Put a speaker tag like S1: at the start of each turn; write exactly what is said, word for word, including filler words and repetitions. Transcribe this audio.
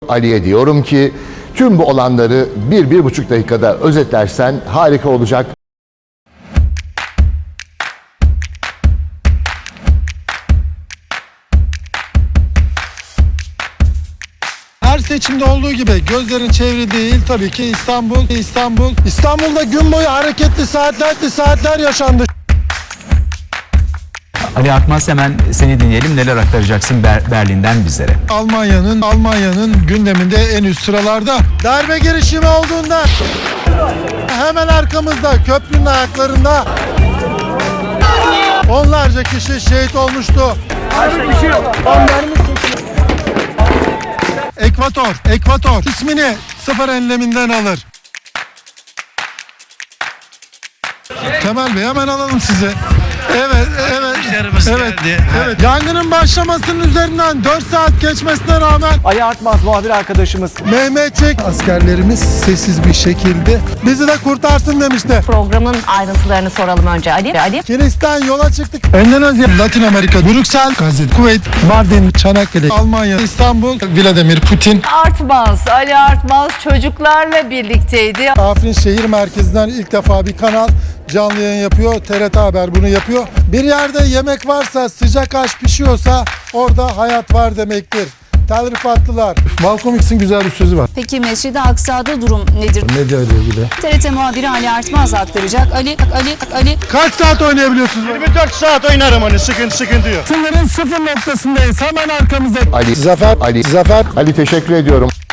S1: Ali'ye diyorum ki tüm bu olanları bir, bir buçuk dakikada özetlersen harika olacak.
S2: Her seçimde olduğu gibi gözlerin çevrildiği il tabii ki İstanbul. İstanbul. İstanbul'da gün boyu hareketli saatlerdi saatler yaşandı.
S3: Ali Akmaz, hemen seni dinleyelim. Neler aktaracaksın Ber- Berlin'den bizlere?
S2: Almanya'nın Almanya'nın gündeminde en üst sıralarda. Darbe girişimi olduğunda hemen arkamızda köprünün ayaklarında onlarca kişi şehit olmuştu. Ekvator, Ekvator ismini sıfır enleminden alır. Kemal Bey hemen alalım sizi. Evet, evet, evet, evet. Yangının başlamasının üzerinden dört saat geçmesine rağmen
S4: Ali Artmaz muhabir arkadaşımız.
S2: Mehmetçik askerlerimiz sessiz bir şekilde bizi de kurtarsın demişti.
S5: Programın ayrıntılarını soralım önce Ali. Ali.
S2: Kilis'ten yola çıktık. Endonezya, Latin Amerika, Brüksel, Gazete, Kuveyt, Mardin, Çanakkale, Almanya, İstanbul, Vladimir Putin.
S6: Artmaz, Ali Artmaz çocuklarla birlikteydi.
S2: Afrin şehir merkezinden ilk defa bir kanal canlı yayın yapıyor. T R T Haber bunu yapıyor. Bir yerde yemek varsa, sıcak aş pişiyorsa orada hayat var demektir. Telrifatlılar. Malcolm X'in güzel bir sözü var.
S7: Peki Mescid-i Aksa'da durum nedir?
S2: Medya ile ilgili.
S7: T R T muhabiri Ali Artmaz aktaracak. Ali, Ali, Ali.
S2: Kaç saat oynayabiliyorsunuz?
S8: yirmi dört saat oynarım hani sıkıntı sıkıntı yok.
S2: Sınırın sıfır noktasındayız. Hemen arkamızda.
S1: Ali,
S2: Zafer,
S1: Ali,
S2: Zafer.
S1: Ali teşekkür ediyorum.